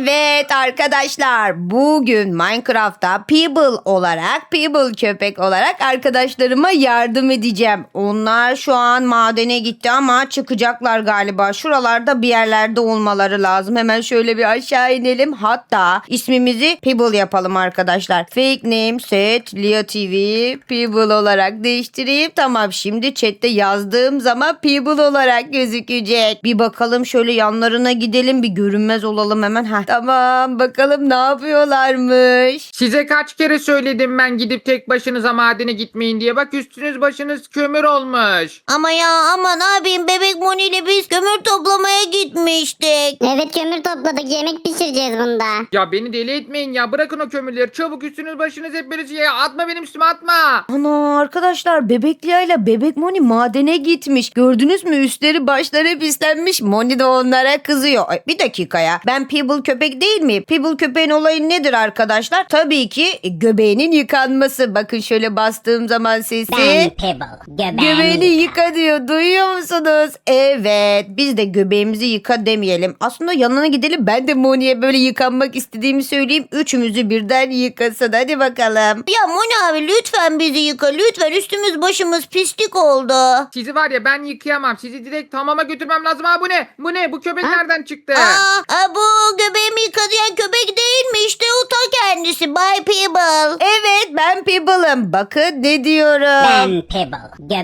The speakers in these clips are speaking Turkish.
Evet arkadaşlar, bugün Minecraft'ta People köpek olarak arkadaşlarıma yardım edeceğim. Onlar şu an madene gitti ama çıkacaklar galiba. Şuralarda bir yerlerde olmaları lazım. Hemen şöyle bir aşağı inelim. Hatta ismimizi People yapalım arkadaşlar. Fake name set Lia TV People olarak değiştireyim. Tamam, şimdi chatte yazdığım zaman People olarak gözükecek. Bir bakalım, şöyle yanlarına gidelim, bir görünmez olalım hemen. Tamam, bakalım ne yapıyorlarmış. Size kaç kere söyledim ben gidip tek başınıza madene gitmeyin diye. Bak üstünüz başınız kömür olmuş. Ama ne yapayım, bebek Moni ile biz kömür toplamaya gitmiştik. Evet, kömür topladık, yemek pişireceğiz bunda. Ya beni deli etmeyin ya. Bırakın o kömürleri. Çabuk üstünüz başınız hep böyle şey. Atma benim üstüme, atma. Ana arkadaşlar, bebek Lia ile bebek Moni madene gitmiş. Gördünüz mü, üstleri başları pislenmiş. Moni de onlara kızıyor. Ay, bir dakika ya, ben People köpek değil miyim? People köpeğin olayı nedir arkadaşlar? Tabii ki göbeğinin yıkanması. Bakın şöyle bastığım zaman sesi. Ben Pebble. Göbeğini yıka diyor. Duyuyor musunuz? Evet. Biz de göbeğimizi yıka demeyelim. Aslında yanına gidelim. Ben de Moni'ye böyle yıkanmak istediğimi söyleyeyim. Üçümüzü birden yıkasın. Hadi bakalım. Ya Moni abi, lütfen bizi yıka. Lütfen, üstümüz başımız pislik oldu. Sizi var ya, ben yıkayamam. Sizi direkt hamama götürmem lazım. Ha, bu ne? Bu ne? Bu köpek nereden çıktı? Bu göbeğimi yıkayan köpek değil mi? İşte o ta kendisi. Bay People. Evet, ben People'ım. Bakın ne diyorum. Pebble.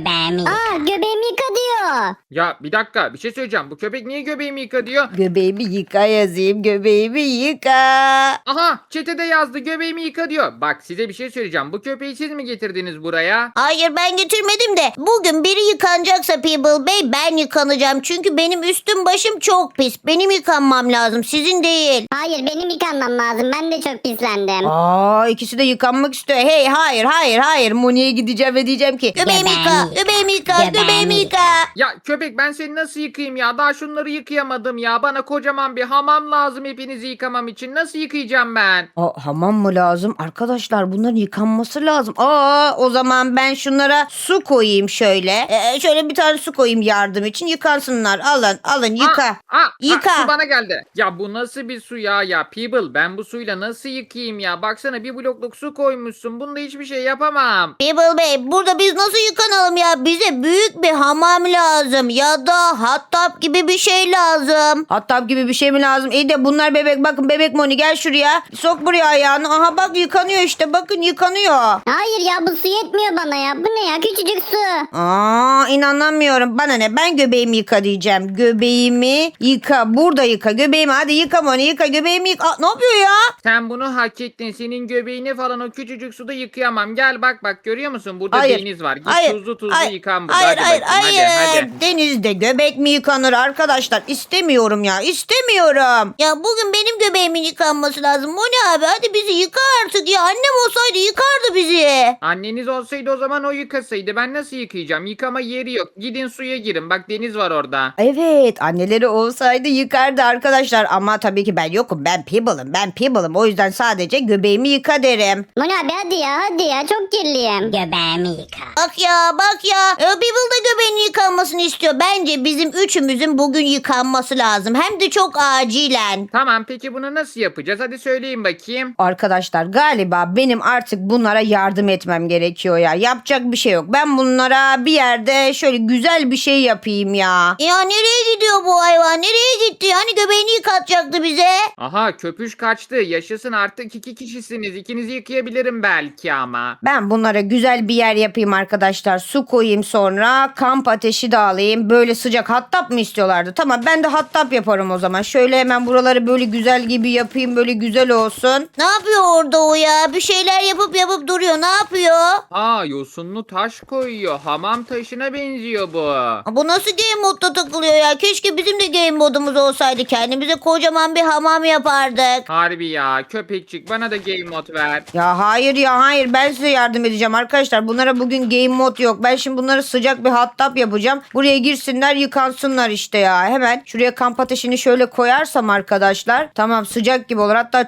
Göbeğimi yıka diyor. Ya bir dakika, bir şey söyleyeceğim. Bu köpek niye göbeğimi yıka diyor? Göbeğimi yıka yazayım. Göbeğimi yıka. Aha, çetede yazdı göbeğimi yıka diyor. Bak size bir şey söyleyeceğim. Bu köpeği siz mi getirdiniz buraya? Hayır, ben getirmedim de bugün biri yıkanacaksa People Bey, ben yıkanacağım. Çünkü benim üstüm başım çok pis. Benim yıkanmam lazım, sizin değil. Hayır, benim yıkanmam lazım. Ben de çok pislendim. İkisi de yıkanmak istiyor. Hey, hayır. Moni'ye gideceğim ve diyeceğim ki göbeğimi yıka, göbeğimi yıka. Ya köpek, ben seni nasıl yıkayayım ya? Daha şunları yıkayamadım ya. Bana kocaman bir hamam lazım hepinizi yıkamam için. Nasıl yıkayacağım ben? Hamam mı lazım? Arkadaşlar, bunların yıkanması lazım. O zaman ben şunlara su koyayım şöyle. Şöyle bir tane su koyayım yardım için. Yıkansınlar. Alın yıka. Yıka. Su bana geldi. Ya bu nasıl bir su ya? Ya People, ben bu suyla nasıl yıkayayım ya? Baksana, bir blokluk su koymuşsun. Bunda hiçbir şey yapamam. People Bey, burada biz nasıl yıkanalım ya? Bize büyük bir hamam lazım ya da hot tub gibi bir şey lazım. Hot tub gibi bir şey mi lazım? İyi de bunlar bebek. Bakın bebek Moni, gel şuraya. Sok buraya ayağını. Aha bak, yıkanıyor işte. Bakın yıkanıyor. Hayır ya, bu su yetmiyor bana ya. Bu ne ya, küçücük su. İnanamıyorum. Bana ne? Ben göbeğimi yıka diyeceğim. Göbeğimi yıka. Burada yıka. Göbeğimi hadi yıka Moni, yıka. Göbeğimi yıka. Ne yapıyor ya? Sen bunu hak ettin. Senin göbeğini falan o küçücük suda yıkayamam. Gel bak görüyor musun? Burada Hayır. deniz var. Git Hayır. tuzlu Hayır. yıkan burada. Hayır, Hadi bakayım, hadi. Denizde göbek mi yıkanır arkadaşlar? İstemiyorum ya. İstemiyorum. Ya bugün benim göbeğimin yıkanması lazım. Moni abi, hadi bizi yıka artık ya. Annem olsaydı yıkardı bizi. Anneniz olsaydı o zaman o yıkasaydı. Ben nasıl yıkayacağım? Yıkama yeri yok. Gidin suya girin. Bak deniz var orada. Evet, anneleri olsaydı yıkardı arkadaşlar. Ama tabii ki ben yokum. Ben People'ım. O yüzden sadece göbeğimi yıka derim. Moni abi hadi ya, çok kirliyim. Göbeğimi yıka. Bak ya. People da göbeğinin yıkanmasını istiyor. Bence bizim üçümüzün bugün yıkanması lazım. Hem de çok acilen. Tamam, peki bunu nasıl yapacağız? Hadi söyleyin bakayım. Arkadaşlar, galiba benim artık bunlara yardım etmem gerekiyor ya. Yapacak bir şey yok. Ben bunlara bir yerde şöyle güzel bir şey yapayım ya. Ya nereye gidiyor bu hayvan? Nereye gitti? Hani göbeğini yıkatacaktı bize. Aha, köpüş kaçtı. Yaşasın, artık 2 kişisiniz. İkinizi yıkayabilirim belki ama. Ben bunlara güzel bir yer yapayım arkadaşlar. Su koyayım sonra. Kamp ateşi de alayım. Böyle sıcak hot tub mı istiyorlardı? Tamam, ben de hot tub yaparım o zaman. Şöyle hemen buraları böyle güzel gibi yapayım. Böyle güzel olsun. Ne yapıyor orada o ya? Bir şeyler yapıp duruyor. Ne yapıyor? Yosunlu taş koyuyor. Hamam taşına benziyor bu. Bu nasıl game modda takılıyor ya? Keşke bizim de game modumuz olsaydı. Kendimize kocaman bir hamam yapardık. Harbi ya, köpekçik bana da game mod ver. Ya hayır, ben size yardım edeceğim arkadaşlar. Bunlara bugün game mod yok. Ben şimdi bunlara sıcak bir hot tub yapacağım. Buraya girsinler, yıkansınlar işte ya. Hemen şuraya kamp ateşini şöyle koyarsam arkadaşlar. Tamam, sıcak gibi olur. Hatta çok koymayayım.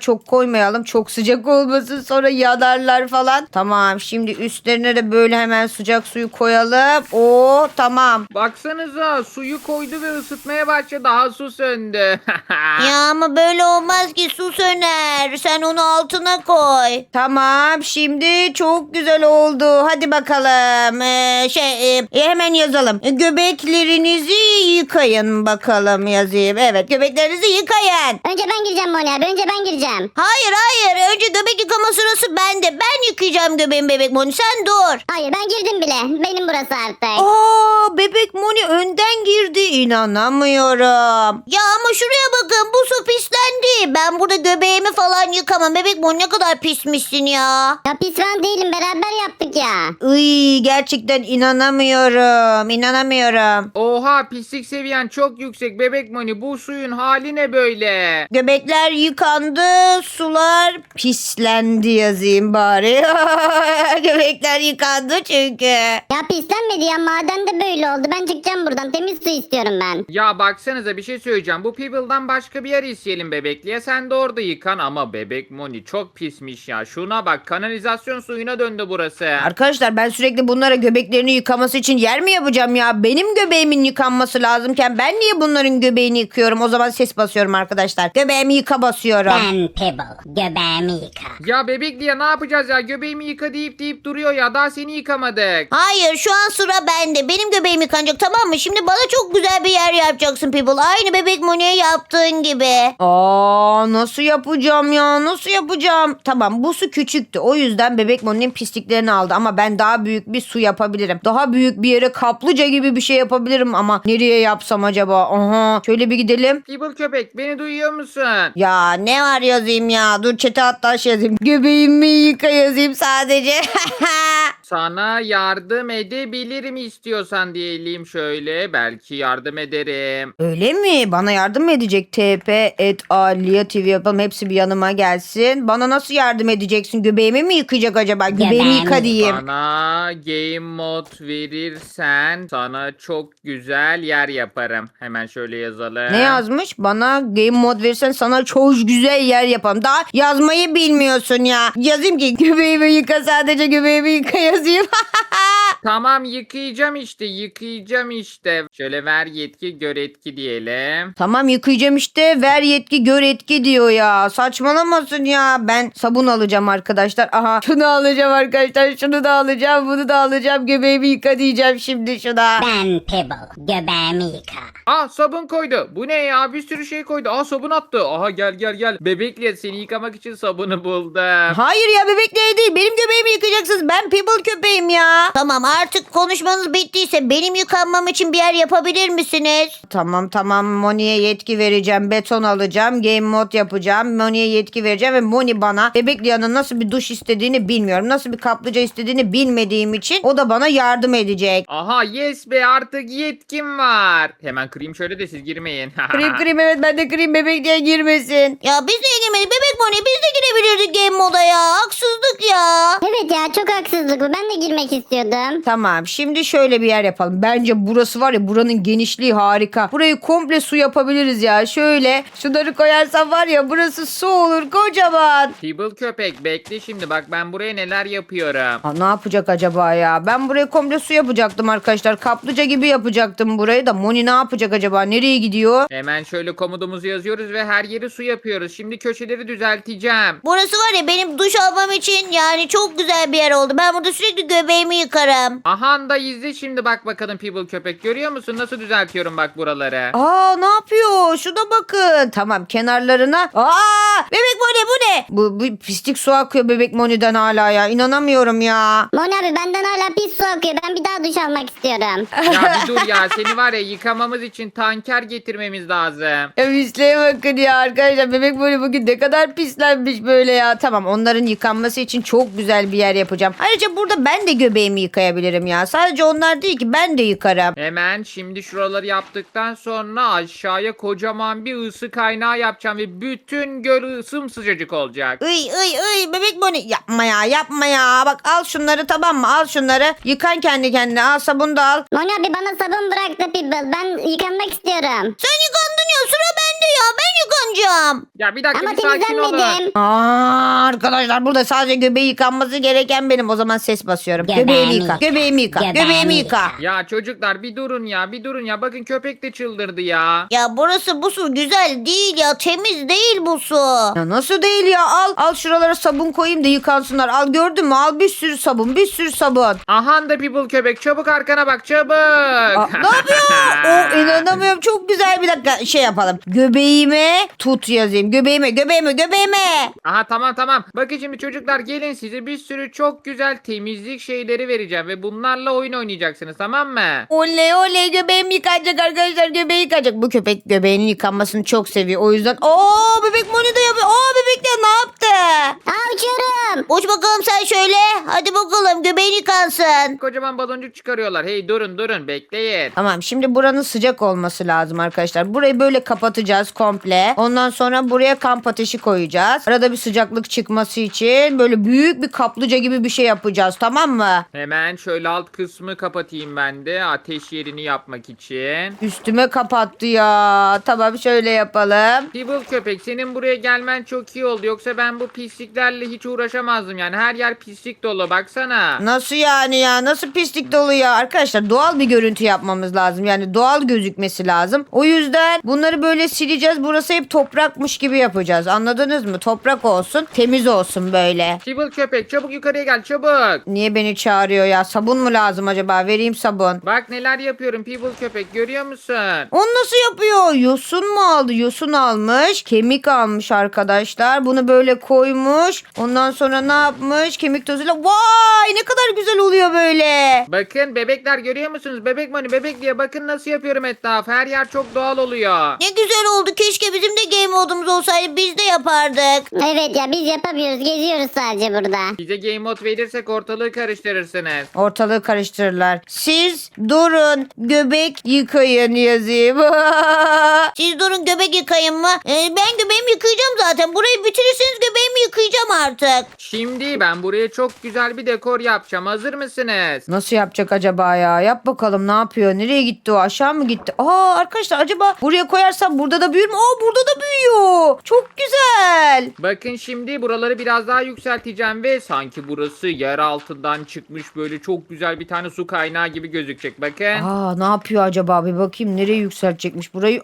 koymayalım. Çok sıcak olmasın sonra yanarlar falan. Tamam şimdi üstlerine de böyle hemen sıcak suyu koyalım. Oo tamam. Baksanıza suyu koydu ve ısıtmaya başladı. Daha su söndü. Ya ama böyle olmaz ki, su söner. Sen onu altına koy. Tamam şimdi çok güzel oldu. Hadi bakalım. Hemen yazalım. Göbeklerinizi yıkayın bakalım yazayım. Evet göbeklerinizi yıkayın. Önce ben gireceğim Moni abi. Önce ben gireceğim. Hayır hayır, önce göbek yıkama sırası bende. Ben yıkayacağım göbeğimi bebek Moni, sen dur. Hayır ben girdim bile. Benim burası artık. Aa bebek Moni önden girdi. İnanamıyorum. Ya ama şuraya bakın, bu su pislendi. Ben burada göbeğimi falan yıkamam. Bebek Moni ne kadar pismişsin ya. Ya pis ben değilim. Beraber yaptık ya. Iy, gerçekten inanamıyorum. İnanamıyorum. Oha pislik seviyen çok yüksek bebek Moni. Bu suyun hali ne böyle? Göbekler yıkandı, sular pislendi yazayım bari. Göbekler yıkandı çünkü. Ya pislenmedi ya. Maden de böyle oldu. Ben çıkacağım buradan. Temiz su istiyorum ben. Ya baksanıza bir şey söyleyeceğim. Bu Peeble'dan başka bir yer isteyelim bebekliye. Sen de orada yıkan ama bebek Moni çok pismiş ya. Şuna bak kanalizasyon suyuna döndü burası. Arkadaşlar ben sürekli bunlara göbeklerini yıkaması için yer mi yapacağım ya? Benim göbeğimin yıkanması lazımken ben niye bunların göbeğini yıkıyorum? O zaman ses basıyorum arkadaşlar. Göbeğimi yıka basıyorum. Ben Pebble. Göbeğimi yıka. Ya bebekliye ne yapacağız ya? Göbeğimi yıka deyip duruyor ya. Daha seni yıkamadık. Hayır, şu an sıra bende. Benim göbeğim yıkanacak, tamam mı? Şimdi bana çok güzel bir yer yapacaksın People. Aynı bebek Moni'ye yaptığın gibi. Aa nasıl yapacağım ya? Nasıl yapacağım? Tamam bu su küçüktü. O yüzden bebek Moni'nin pisliklerini aldı ama ben daha büyük bir su yapabilirim. Daha büyük bir yere kaplıca gibi bir şey yapabilirim ama nereye yapsam acaba? Aha şöyle bir gidelim. Peeble köpek beni duyuyor musun? Ya ne var yazayım ya? Dur çete hatta şey yazayım. Göbeğimi yıka yazayım sadece. Sana yardım edebilirim istiyorsan diyelim şöyle. Belki yardım ederim. Öyle mi? Bana yardım mı edecek? TP@Aliya TV yapalım. Hepsi bir yanıma gelsin. Bana nasıl yardım edeceksin? Göbeğimi mi yıkayacak acaba? Göbeğimi Göbeğimi yıka diyeyim. Bana game mod verirsen sana çok güzel yer yaparım. Hemen şöyle yazalım. Ne yazmış? Bana game mod verirsen sana çok güzel yer yaparım. Daha yazmayı bilmiyorsun ya. Yazayım ki göbeğimi yıka sadece göbeğimi yıka yazayım. Tamam yıkayacağım işte. Şöyle ver yetki gör etki diyelim. Tamam yıkayacağım işte ver yetki gör etki diyor ya. Saçmalamasın ya. Ben sabun alacağım arkadaşlar. Aha şunu alacağım arkadaşlar. Şunu da alacağım. Bunu da alacağım. Göbeğimi yıka diyeceğim şimdi şuna. Ben Pebble. Göbeğimi yıka. Aa sabun koydu. Bu ne ya? Bir sürü şey koydu. Aa sabun attı. Aha gel. Bebekle seni yıkamak için sabunu buldum. Hayır ya bebekleri değil. Benim göbeğimi yıkayacaksınız. Ben people köpeğim ya. Tamam, artık konuşmanız bittiyse benim yıkanmam için bir yer yapabilir misiniz? Tamam Moni'ye yetki vereceğim. Beton alacağım. Game mod yapacağım. Moni'ye yetki vereceğim ve Moni bana Bebeklia'nın nasıl bir duş istediğini bilmiyorum. Nasıl bir kaplıca istediğini bilmediğim için o da bana yardım edecek. Aha yes be artık yetkim var. Hemen kırayım şöyle de siz girmeyin. Kırayım evet ben de kırayım Bebekli'a girmesin. Ya biz niye girmedik? Bebek Moni, biz de girebilirdik game moda ya. Haksızlık ya. Evet ya çok haksızlık bu. Ben de girmek istiyordum. Tamam şimdi şöyle bir yer yapalım. Bence burası var ya buranın genişliği harika. Burayı komple su yapabiliriz ya. Şöyle şunları koyarsam var ya burası su olur kocaman. Peeble köpek bekle şimdi bak ben buraya neler yapıyorum. Aa, ne yapacak acaba ya? Ben buraya komple su yapacaktım arkadaşlar. Kaplıca gibi yapacaktım burayı da. Moni ne yapacak acaba? Nereye gidiyor? Hemen şöyle komutumuzu yazıyoruz ve her yeri su yapıyoruz. Şimdi köşeleri düzelteceğim. Burası var ya benim duş almam için yani çok güzel bir yer oldu. Ben burada sürekli göbeğimi yıkarım. Aha da izle şimdi bak bakalım Peeble köpek. Görüyor musun nasıl düzeltiyorum bak buraları. Aa ne yapıyor? Şuna bakın. Tamam kenarlarına. Aa bebek Moni bu ne? Bu pislik su akıyor bebek Moni'den hala ya. İnanamıyorum ya. Moni abi benden hala pis su akıyor. Ben bir daha duş almak istiyorum. Ya bir dur ya seni var ya yıkamamız için tanker getirmemiz lazım. Ya pisliğe bakın ya arkadaşlar. Bebek Moni bugün ne kadar pislenmiş böyle ya. Tamam onların yıkanması için çok güzel bir yer yapacağım. Ayrıca burada ben de göbeğimi yıkayabilirim ya. Sadece onlar değil ki ben de yıkarım. Hemen şimdi şuraları yaptıktan sonra aşağıya kocaman bir ısı kaynağı yapacağım ve bütün göl sımsıcacık olacak. Iy bebek Moni yapma ya. Bak al şunları tamam mı? Al şunları. Yıkan kendi kendine. Al sabunu da al. Moni abi bana sabun bırak da Pebble. Ben yıkanmak istiyorum. Sen yıkandın ya, sıra bende de ya. Ben yıkanacağım. Ya bir dakika Ama bir sakin olun. temizlenmedim. Arkadaşlar burada sadece göbeği yıkanması gereken benim. O zaman ses basıyorum. Göbeğimi yıka. Göbeğimi yıka. Göbeğimi yıka. Ya çocuklar bir durun ya bir durun ya. Bakın köpek de çıldırdı ya. Ya burası bu su güzel değil ya. Temiz değil bu su. Ya nasıl değil ya? Al şuralara sabun koyayım da yıkansınlar. Al gördün mü? Al bir sürü sabun. Bir sürü sabun. Ahan da people köpek çabuk arkana bak çabuk. Ne yapıyor? İnanamıyorum. Çok güzel bir dakika şey yapalım. Göbeğime tut yazayım. Göbeğime. Aha tamam. Bakın şimdi çocuklar gelin size bir sürü çok güzel temizlik şeyleri vereceğim. Ve bunlarla oyun oynayacaksınız tamam mı? Oley göbeğim yıkanacak arkadaşlar. Göbeği yıkanacak. Bu köpek göbeğinin yıkanmasını çok seviyor. O yüzden bebek Moni de yapıyor. Bebek de ne yaptı? Aa, uçuyorum. Uç bakalım sen şöyle. Hadi bakalım göbeğin yıkansın. Kocaman baloncuk çıkarıyorlar. Hey durun bekleyin. Tamam şimdi buranın sıcak olması lazım arkadaşlar. Burayı böyle kapatacağız komple. Ondan sonra buraya kamp ateşi koyacağız. Arada bir sıcaklık çıkması için böyle büyük bir kaplıca gibi bir şey yapacağız tamam mı? Hemen şöyle alt kısmı kapatayım ben de ateş yerini yapmak için. Üstüme kapattı ya. Tamam şöyle yapalım. People köpek senin buraya gelmen çok iyi oldu. Yoksa ben bu pisliklerle hiç uğraşamazdım yani. Her yer pislik dolu baksana. Nasıl yani ya? Nasıl pislik dolu ya? Arkadaşlar doğal bir görüntü yapmamız lazım. Yani doğal gözükmesi lazım. O yüzden bunları böyle sileceğiz. Burası hep toprakmış gibi yapacağız. Anladınız mı? Toprak olsun. Temiz olsun böyle. People köpek çabuk yukarıya gel çabuk. Niye beni çağırıyor ya? Sabun mu lazım acaba? Vereyim sabun. Bak neler yapıyorum people köpek görüyor musun? Onu nasıl yapıyor? Yosun mu aldı? Yosun almış. Kemik almış arkadaşlar. Bunu böyle koymuş. Ondan sonra ne yapmış? Kemik tozuyla. Vay ne kadar güzel oluyor böyle. Bakın bebekler görüyor musunuz? Bebek Moni bebek diye bakın nasıl yapıyorum etrafı. Her yer çok doğal oluyor. Ne güzel oldu. Keşke bizim de game modumuz olsaydı. Biz de yapardık. Evet ya biz yapamıyoruz. Geziyoruz sadece burada. Size game mode verirsek ortalığı karıştırırsınız. Ortalığı karıştırırlar. Siz durun göbek yıkayın yazayım. Siz durun göbek yıkayın mı? Ben göbeğimi yıkayacağım zaten. Burayı bitirirseniz göbeğimi yıkayacağım artık. Şimdi ben buraya çok güzel bir dekor yapacağım. Hazır mısınız? Nasıl yapacak acaba ya? Yap bakalım ne yapıyor? Nereye gitti o? Aşağı mı gitti? Arkadaşlar acaba buraya koyarsam burada da büyür mü? Burada da büyüyor. Çok güzel. Bakın şimdi buraları biraz daha yükselteceğim ve sanki burası yer altından çıkmış böyle çok güzel bir tane su kaynağı gibi gözükecek. Bakın. Ne yapıyor acaba? Bir bakayım nereye yükseltecekmiş burayı.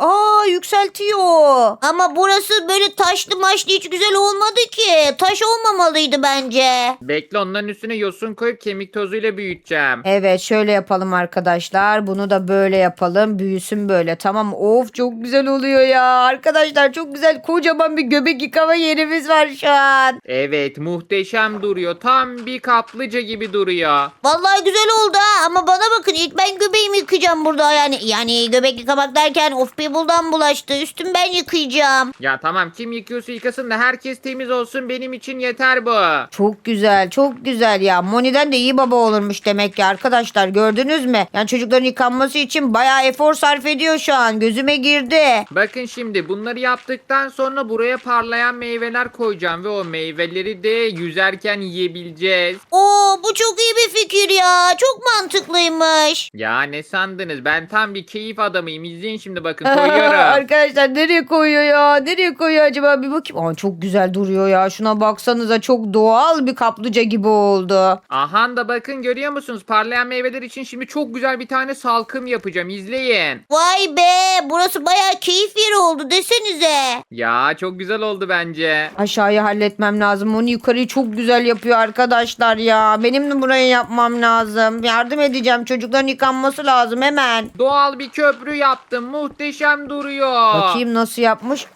Yükseltiyor. Ama burası böyle taşlı maşlı hiç güzel olmadı ki. Taş olmamalıydı bence. Bekle onların üstüne yosun koyup kemik tozuyla büyüteceğim. Evet şöyle yapalım arkadaşlar. Bunu da böyle yapalım. Büyüsün böyle. Tamam mı? Of çok güzel oluyor ya. Arkadaşlar çok güzel. Kocaman bir göbek yıkama yerimiz var şu an. Evet muhteşem duruyor. Tam bir kaplıca gibi duruyor. Vallahi güzel oldu ha. Ama bana bakın ilk ben göbeğimi yıkayacağım burada. Yani göbek yıkamak derken of people'dan bulaştı. Üstüm ben yıkayacağım. Ya tamam kim yıkıyorsa yıkasın da herkes temiz olsun benim için yeter bu. Çok güzel. Çok güzel ya. Moni'den de iyi baba olurmuş demek ki arkadaşlar. Gördünüz mü? Yani çocukların yıkanması için bayağı efor sarf ediyor şu an. Gözüme girdi. Bakın şimdi bunları yaptıktan sonra buraya parlayan meyveler koyacağım ve o meyveleri de yüzerken yiyebileceğiz. Bu çok iyi bir fikir ya. Çok mantıklıymış. Ya ne sandınız? Ben tam bir keyif adamıyım. İzleyin şimdi bakın koyuyorum. Arkadaşlar nereye koyuyor ya? Nereye koyuyor acaba? Bir bakayım. Çok güzel duruyor ya. Şuna baksanıza çok doğal bir kaplıca gibi oldu. Aha da bakın görüyor musunuz? Parlayan meyveler için şimdi çok güzel bir tane salkım yapacağım. İzleyin. Vay be. Burası bayağı keyif yeri oldu desenize. Ya çok güzel oldu bence. Aşağıyı halletmem lazım. Onu yukarıyı çok güzel yapıyor arkadaşlar ya. Benim de burayı yapmam lazım. Yardım edeceğim. Çocukların yıkanması lazım hemen. Doğal bir köprü yaptım. Muhteşem duruyor. Bakayım nasıl yapmış.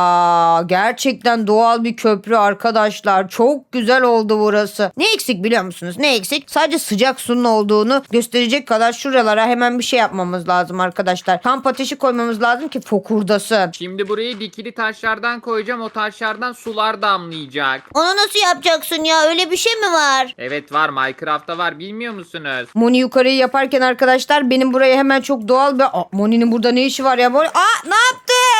Gerçekten doğal bir köprü arkadaşlar. Çok güzel oldu burası. Ne eksik biliyor musunuz? Ne eksik? Sadece sıcak suyun olduğunu gösterecek kadar şuralara hemen bir şey yapmamız lazım arkadaşlar. Kamp ateşi koymamız lazım ki fokurdasın. Şimdi burayı dikili taşlardan koyacağım. O taşlardan sular damlayacak. Onu nasıl yapacaksın ya? Öyle bir şey mi var? Evet var Minecraft'ta var bilmiyor musunuz? Moni yukarıyı yaparken arkadaşlar benim buraya hemen çok doğal bir... Moni'nin burada ne işi var ya? Ne yaptın?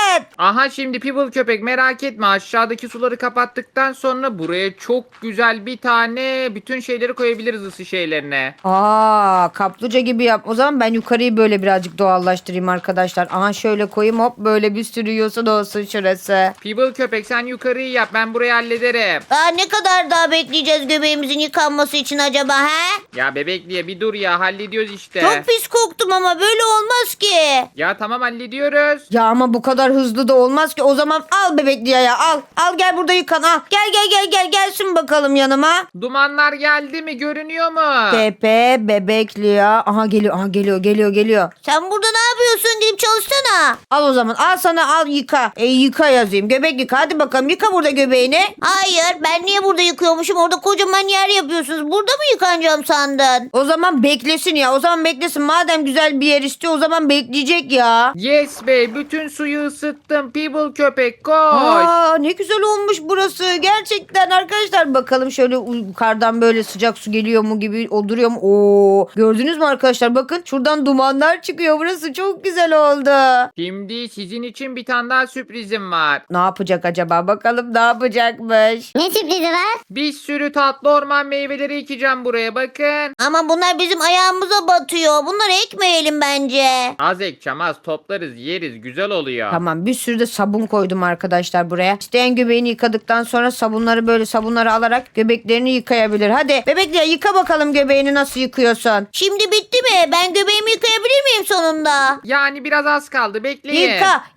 Aha şimdi Pibble köpek merak etme, aşağıdaki suları kapattıktan sonra buraya çok güzel bir tane bütün şeyleri koyabiliriz, ısı şeylerine. Aa, kaplıca gibi yap. O zaman ben yukarıyı böyle birazcık doğallaştırayım arkadaşlar. Aha şöyle koyayım, hop böyle bir sürü yosun olsun şurası. Pibble köpek sen yukarıyı yap, ben burayı hallederim. Daha ne kadar daha bekleyeceğiz göbeğimizin yıkanması için acaba he? Ya bebekliye bir dur ya, hallediyoruz işte. Çok pis koktum ama böyle olmaz ki. Ya tamam hallediyoruz. Ya ama bu kadar hızlı da olmaz ki. O zaman al bebekli ya, al. Al gel burada yıkan, al. Gel gelsin bakalım yanıma. Dumanlar geldi mi, görünüyor mu? Pepe bebekli ya. Aha geliyor. Sen burada ne yapıyorsun? Gidip çalışsana. Al o zaman, al sana, al yıka. Yıka yazayım. Göbek yıka, hadi bakalım yıka burada göbeğini. Hayır, ben niye burada yıkıyormuşum? Orada kocaman yer yapıyorsunuz. Burada mı yıkanacağım sandın? O zaman beklesin ya. O zaman beklesin. Madem güzel bir yer istiyor, o zaman bekleyecek ya. Yes bey, bütün suyu ısıttım. Pibble köpek koş. Aa, ne güzel olmuş burası. Gerçekten arkadaşlar, bakalım şöyle yukarıdan böyle sıcak su geliyor mu gibi duruyor mu? Oo, gördünüz mü arkadaşlar? Bakın şuradan dumanlar çıkıyor. Burası çok güzel oldu. Şimdi sizin için bir tane daha sürprizim var. Ne yapacak acaba? Bakalım ne yapacakmış. Ne sürprizi var? Bir sürü tatlı orman meyveleri ekeceğim buraya, bakın. Ama bunlar bizim ayağımıza batıyor. Bunları ekmeyelim bence. Az ekeceğim, az toplarız yeriz, güzel oluyor. Tamam, bir sürü de sabun koydum arkadaşlar buraya. İsteyen göbeğini yıkadıktan sonra sabunları alarak göbeklerini yıkayabilir. Hadi bebekle yıka bakalım, göbeğini nasıl yıkıyorsun? Şimdi bitti mi? Ben göbeğimi yıkayabilir miyim sonunda? Yani biraz az kaldı, bekleyin.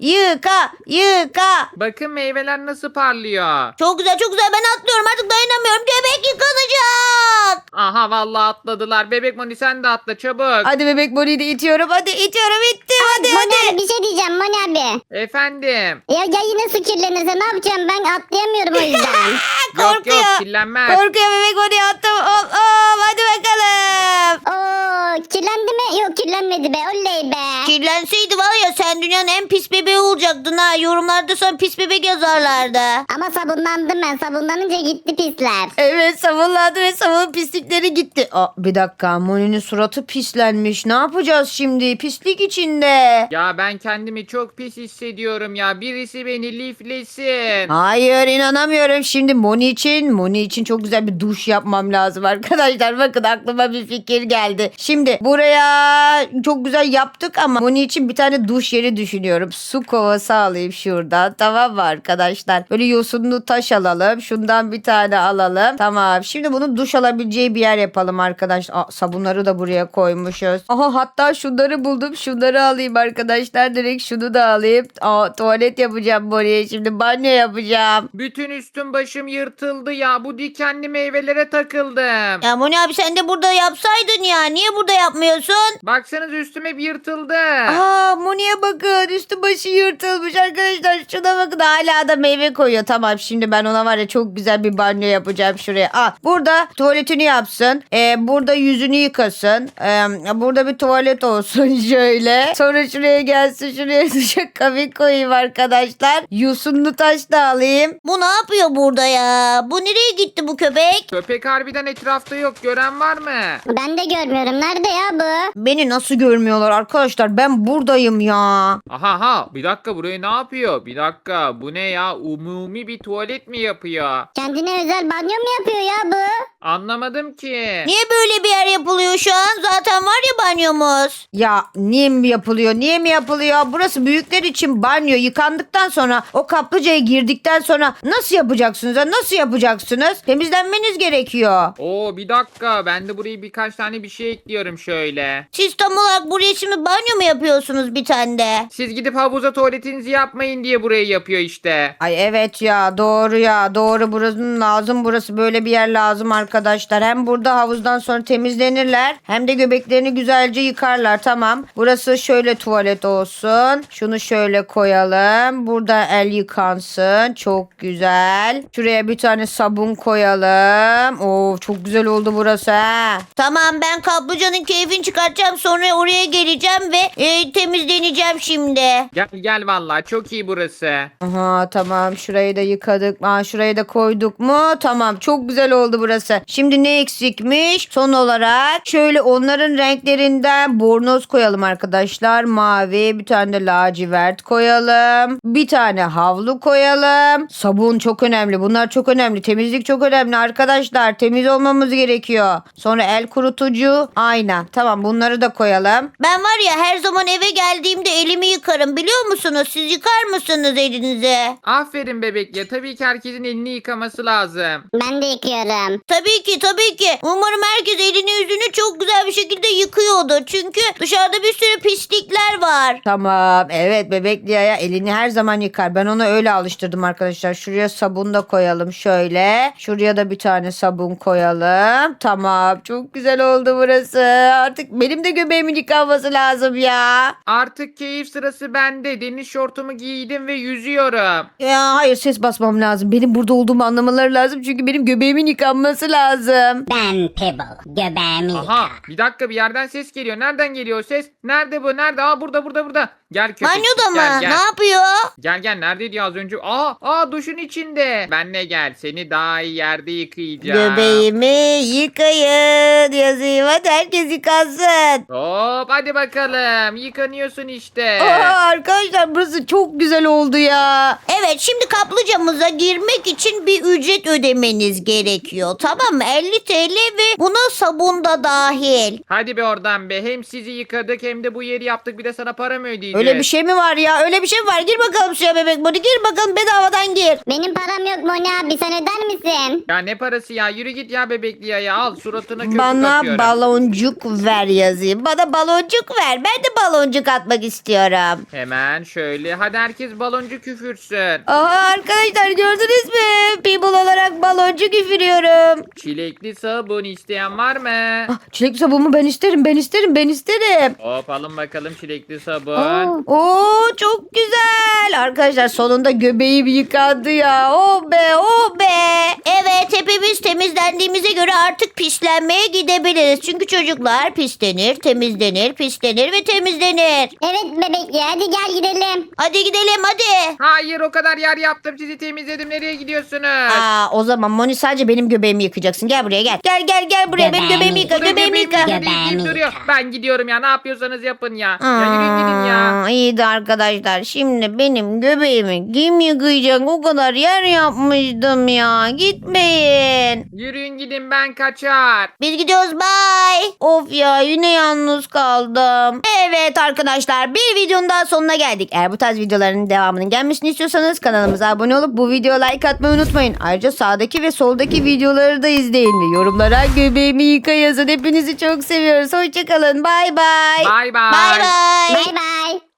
Yıka. Bakın meyveler nasıl parlıyor. Çok güzel ben atlıyorum artık dayanamıyorum. Göbek yıkanacak. Aha vallahi atladılar. Bebek Moni sen de atla çabuk. Hadi bebek Moni'yi de itiyorum. Hadi itiyorum, ittim. Hadi. Moni abi bir şey diyeceğim Moni abi. Efendim. Ya yine su kirlenirse ne yapacağım, ben atlayamıyorum o yüzden. Yok kirlenmez. Korkuyor bebek Moni'yi attım. Hop, hadi bakalım. Oo, kirlendi mi? Yok kirlenmedi be, oley be. Kirlenseydi var ya sen dünyanın en pis bebeği olacaktın ha. Yorumlarda sana pis bebek yazarlardı. Ama sabunlandım ben, sabunlanınca gitti pisler. Evet, sabunlandı ve sabun pislikleri gitti. Bir dakika, Moni'nin suratı pislenmiş. Ne yapacağız şimdi? Pislik içinde. Ya ben kendimi çok pis hissediyorum ya. Birisi beni liflesin. Hayır, inanamıyorum. Şimdi Moni için çok güzel bir duş yapmam lazım arkadaşlar. Bakın aklıma bir fikir geldi. Şimdi buraya çok güzel yaptık ama Moni için bir tane duş yeri düşünüyorum. Su kovası alayım şuradan. Tamam mı arkadaşlar? Böyle yosunlu taş alalım. Şundan bir tane alalım. Tamam. Şimdi bunu duş alabileceği bir yer yapalım arkadaşlar. Sabunları da buraya koymuşuz. Aha, hatta şunları buldum. Şunları alayım arkadaşlar. Direkt şunu da alayım. Tuvalet yapacağım Moni'ye. Şimdi banyo yapacağım. Bütün üstüm başım yırtıldı ya. Bu dikenli meyvelere takıldım. Ya Moni abi sen de burada yapsaydın ya. Niye burada yapmıyorsun? Baksanız üstüm hep yırtıldı. Moni'ye bakın, üstü başı yırtılmış arkadaşlar. Şuna bakın, hala da meyve koyuyor. Tamam, şimdi ben ona var ya çok güzel bir banyo yapacağım şuraya. Burada tuvaletini yapsın. Burada yüzünü yıkasın. Burada bir tuvalet olsun şöyle. Sonra şuraya gelsin, şuraya duşakabin koyayım arkadaşlar. Yosunlu taş da alayım. Bu ne yapıyor burada ya? Bu nereye gitti bu köpek? Köpek harbiden etrafta yok. Gören var mı? Ben de görmüyorum, nerede ya bu? Beni nasıl görmüyorlar arkadaşlar? Ben buradayım ya. Aha bir dakika, burayı ne yapıyor? Bir dakika, bu ne ya? Umumi bir tuvalet mi yapıyor? Kendine özel banyo mu yapıyor ya bu? Anlamadım ki. Niye böyle bir yer yapılıyor şu an? Zaten var ya banyomuz. Ya niye mi yapılıyor? Burası büyükler için banyo. Yıkandıktan sonra, o kaplıcaya girdikten sonra nasıl yapacaksınız? Nasıl yapacaksınız? Temizlenmeniz gerekiyor. Oo bir dakika, ben de buraya birkaç tane bir şey ekliyorum şöyle. Siz tam olarak buraya şimdi banyo mu yapıyorsunuz bir tane de? Siz gidip havuza tuvaletinizi yapmayın diye burayı yapıyor işte. Ay evet ya, doğru, burası böyle bir yer lazım arkadaşlar. Hem burada havuzdan sonra temizlenirler, hem de göbeklerini güzelce yıkarlar. Tamam, burası şöyle tuvalet olsun. Şunu şöyle koyalım, burada el yıkansın, çok güzel. Şuraya bir tane sabun koyalım. Oo, çok güzel oldu burası ha. Tamam ben kaplıcanın keyfini çıkartacağım sonra oraya geleceğim ve temizleneceğim şimdi. Gel gel vallahi çok iyi burası. Aha tamam, şurayı da yıkadık. Şurayı da koyduk mu? Tamam, çok güzel oldu burası. Şimdi ne eksikmiş? Son olarak şöyle onların renklerinden bornoz koyalım arkadaşlar. Mavi, bir tane de lacivert koyalım. Bir tane havlu koyalım. Sabun çok önemli. Bunlar çok önemli. Temizlik çok önemli arkadaşlar. Temiz olmamız gerekiyor. Sonra el kurutucu, ayna. Tamam, bunları da koyalım. Ben var ya her zaman eve geldiğimde elimi yıkarım biliyor musunuz? Siz yıkar mısınız elinizi? Aferin bebekliye. Tabii ki herkesin elini yıkaması lazım. Ben de yıkıyorum. Tabii ki tabii ki. Umarım herkes elini yüzünü çok güzel bir şekilde yıkıyordur. Çünkü dışarıda bir sürü pislikler var. Tamam. Evet, bebek Lia'ya elini her zaman yıkar. Ben onu öyle alıştırdım arkadaşlar. Şuraya sabun da koyalım şöyle. Şuraya da bir tane sabun koyalım. Tamam. Çok güzel oldu burası. Artık benim de göbeğimin yıkanması lazım ya. Artık keyif sırası bende. Deniz şortumu giydim ve yüzüyorum. Ya hayır, ses basmam lazım. Benim burada olduğumu anlamaları lazım. Çünkü benim göbeğimin yıkanması lazım. Ben Pebble. Göbeğimi Aha bir dakika, bir yerden ses geliyor. Nereden geliyor o ses? Nerede bu? Nerede? Aa burada. Gel köpek. Banyoda mı? Gel, Ne gel. yapıyor? Gel neredeydi az önce? Duşun içinde. Benle gel. Seni daha iyi yerde yıkayacağım. Göbeğimi yıkayın yazayım. Hadi herkes yıkansın. Hop hadi bakalım. Yıkanıyorsun işte. Arkadaşlar burası çok güzel oldu ya. Evet şimdi kaplıcamıza girmek için bir ücret ödemeniz gerekiyor. Tamam mı? 50 TL ve buna sabun da dahil. Hadi be oradan be. Hem sizi yıkadık hem de bu yeri yaptık. Bir de sana para mı ödeyeceğiz? Öyle bir şey mi var ya? Öyle bir şey mi var? Gir bakalım suya bebek Moni. Gir bakalım, bedavadan gir. Benim param yok Moni abi, sen öder misin? Ya ne parası ya? Yürü git ya bebekli ya. Al suratına köpük Bana atıyorum. baloncuk ver yazayım. Bana baloncuk ver. Ben de baloncuk atmak istiyorum. Hemen şöyle. Hadi herkes baloncu küfürsün. Aha arkadaşlar, gördünüz mü? People olarak baloncuk üfürüyorum. Çilekli sabun isteyen var mı? Çilek sabunu ben isterim. Ben isterim. Hop alın bakalım çilekli sabun. Oo çok güzel. Arkadaşlar sonunda göbeğim yıkandı ya. Oh be, oh be. Evet hepimiz temizlendiğimize göre artık pislenmeye gidebiliriz. Çünkü çocuklar pislenir, temizlenir, pislenir ve temizlenir. Evet bebek ya, hadi gel gidelim. Hadi gidelim hadi. Hayır, o kadar yer yaptım, sizi temizledim. Nereye gidiyorsunuz? O zaman Moni sadece benim göbeğimi yıkacaksın. Gel buraya gel. Gel buraya, benim göbeğimi yıka. Durun, Göbeğimi yıka. deyip duruyor. Ben gidiyorum ya, ne yapıyorsanız yapın ya. Ya yürüyün gidin ya. İyi de arkadaşlar, şimdi benim göbeğimi kim yıkayacak? O kadar yer yapmıştım ya. Gitmeyin. Yürüyün gidin, ben kaçar. Biz gidiyoruz bye. Of ya, yine yalnız kaldım. Evet arkadaşlar, bir videonun daha sonuna geldik. Eğer bu tarz videoların devamının gelmesini istiyorsanız kanalımıza abone olup bu videoya like atmayı unutmayın. Ayrıca sağdaki ve soldaki videoları da izleyin ve yorumlara göbeğimi yıka yazın. Hepinizi çok seviyoruz. Hoşçakalın. Bay bay. Bay bay. Bye bye. Bay bay.